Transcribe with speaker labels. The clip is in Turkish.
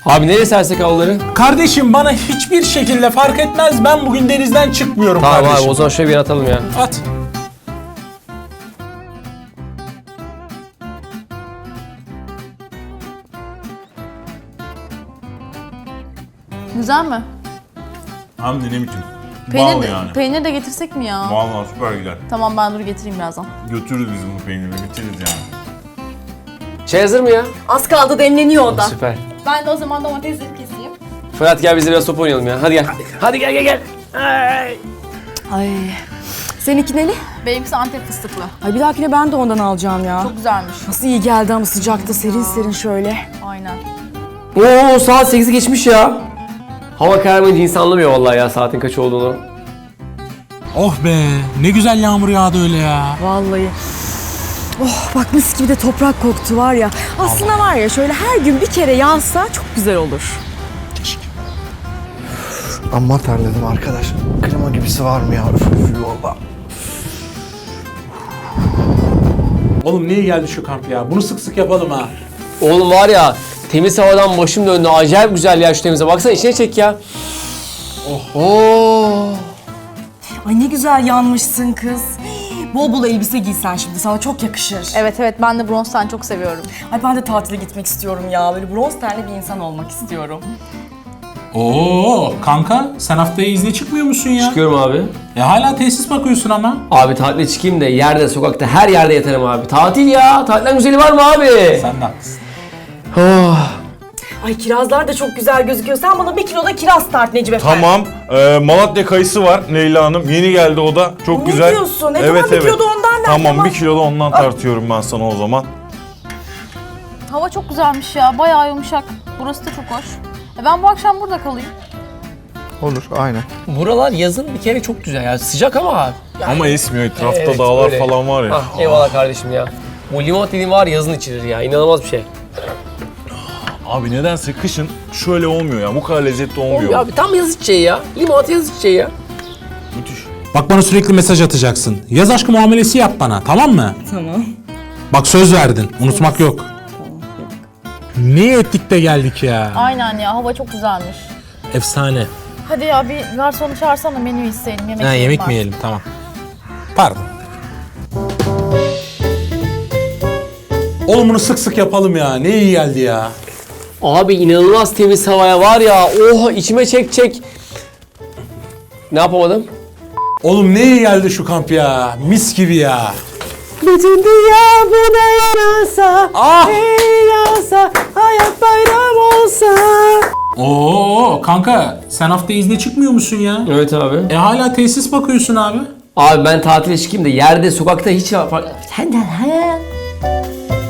Speaker 1: Abi nereye sersek havluları?
Speaker 2: Kardeşim bana hiçbir şekilde fark etmez. Ben bugün denizden çıkmıyorum
Speaker 1: Tamam
Speaker 2: kardeşim.
Speaker 1: abi o zaman şöyle bir atalım ya.
Speaker 2: At.
Speaker 3: Güzel mi?
Speaker 4: Hem de ne biçim.
Speaker 3: Peynir
Speaker 4: Bal
Speaker 3: de,
Speaker 4: yani.
Speaker 3: peynir de getirsek mi ya?
Speaker 4: Vallahi süper gider.
Speaker 3: Tamam ben dur getireyim birazdan.
Speaker 4: Götürürüz biz bunu peyniri, bitiririz yani.
Speaker 1: Şey hazır mı ya?
Speaker 5: Az kaldı, demleniyor o da.
Speaker 1: Süper.
Speaker 3: Ben de o zaman domatesleri keseyim.
Speaker 1: Fırat gel biz de biraz top oynayalım ya. Hadi gel. Hadi gel.
Speaker 5: Ay. Seninki neli?
Speaker 3: Benimkisi Antep fıstıklı.
Speaker 5: Ay bir dahakine ben de ondan alacağım ya.
Speaker 3: Çok güzelmiş.
Speaker 5: Nasıl iyi geldi ama sıcakta serin serin şöyle.
Speaker 3: Aynen.
Speaker 1: Oo saat 8'i geçmiş ya. Hava kararmayınca insan anlamıyor vallahi ya saatin kaç olduğunu.
Speaker 2: Oh be, ne güzel yağmur yağdı öyle ya.
Speaker 5: Vallahi. Oh bak mis gibi de toprak koktu var ya. Aslında var ya şöyle her gün bir kere yağsa çok güzel olur.
Speaker 6: Amma terledim arkadaş. Klima gibisi var mı ya? Üf valla.
Speaker 2: Oğlum niye geldi şu kamp ya? Bunu sık sık yapalım ha.
Speaker 1: Oğlum var ya temiz havadan başım döndü. Acayip güzel ya şu temize. Baksana içine çek ya. Oo.
Speaker 5: Ay ne güzel yanmışsın kız. Bol bol elbise giysen şimdi sana çok yakışır.
Speaker 3: Evet ben de bronz ten çok seviyorum.
Speaker 5: Ay ben de tatile gitmek istiyorum ya. Böyle bronz tenli bir insan olmak istiyorum.
Speaker 2: Oo kanka sen haftaya izne çıkmıyor musun ya?
Speaker 1: Çıkıyorum abi.
Speaker 2: Hala tesis bakıyorsun ama.
Speaker 1: Abi tatile çıkayım da yerde, sokakta, her yerde yatarım abi. Tatil ya. Tatilden güzeli var mı abi?
Speaker 2: Sen de haklısın.
Speaker 1: Oh.
Speaker 5: Ay kirazlar da çok güzel gözüküyor. Sen bana 1 kilo da kiraz tart Necip Efendi.
Speaker 4: Tamam. Malatya kayısı var Leyla Hanım. Yeni geldi o da. Çok
Speaker 5: Ne
Speaker 4: güzel.
Speaker 5: diyorsun? Tamam 1 kilo da ondan ver.
Speaker 4: Tamam 1 kilo da ondan tartıyorum ben sana o zaman.
Speaker 3: Hava çok güzelmiş ya. Bayağı yumuşak. Burası da çok hoş. Ben bu akşam burada kalayım.
Speaker 6: Olur aynen.
Speaker 1: Buralar yazın bir kere çok güzel ya. Sıcak ama abi.
Speaker 4: Ama esmiyor etrafta
Speaker 1: Evet,
Speaker 4: dağlar
Speaker 1: öyle.
Speaker 4: falan var ya.
Speaker 1: Ah, eyvallah kardeşim ya. Bu limon dediğin var yazın içilir ya. İnanılmaz bir şey.
Speaker 4: Abi nedense kışın şöyle olmuyor ya. Bu kadar lezzetli olmuyor.
Speaker 1: Olmuyor abi tam yaz içeceği ya. Limon yaz içeceği ya.
Speaker 4: Müthiş.
Speaker 2: Bak bana sürekli mesaj atacaksın. Yaz aşkı muamelesi yap bana, tamam mı?
Speaker 5: Tamam.
Speaker 2: Bak söz verdin, unutmak yok. Ne ettik de geldik ya.
Speaker 3: Aynen ya hava çok güzelmiş.
Speaker 2: Efsane.
Speaker 3: Hadi ya bir garsonu çağırsana menü isteyelim. Yemek
Speaker 2: Ha,
Speaker 3: yiyelim
Speaker 2: yemek
Speaker 3: var.
Speaker 2: mi yiyelim, tamam. Pardon. Oğlum bunu sık sık yapalım ya. Ne iyi geldi ya.
Speaker 1: Abi inanılmaz temiz havaya var ya. Oh içime çek. Ne yapamadım?
Speaker 2: Oğlum ne iyi geldi şu kamp ya. Mis gibi ya.
Speaker 5: Bütün dünya buna yarasa.
Speaker 2: Ah!
Speaker 5: Yarasa. Hayat bayram olsa.
Speaker 2: Oo kanka sen hafta izne çıkmıyor musun ya?
Speaker 1: Evet abi.
Speaker 2: Hala tesis bakıyorsun abi.
Speaker 1: Abi ben tatile çıkayım da yerde, sokakta hiç fark... Senden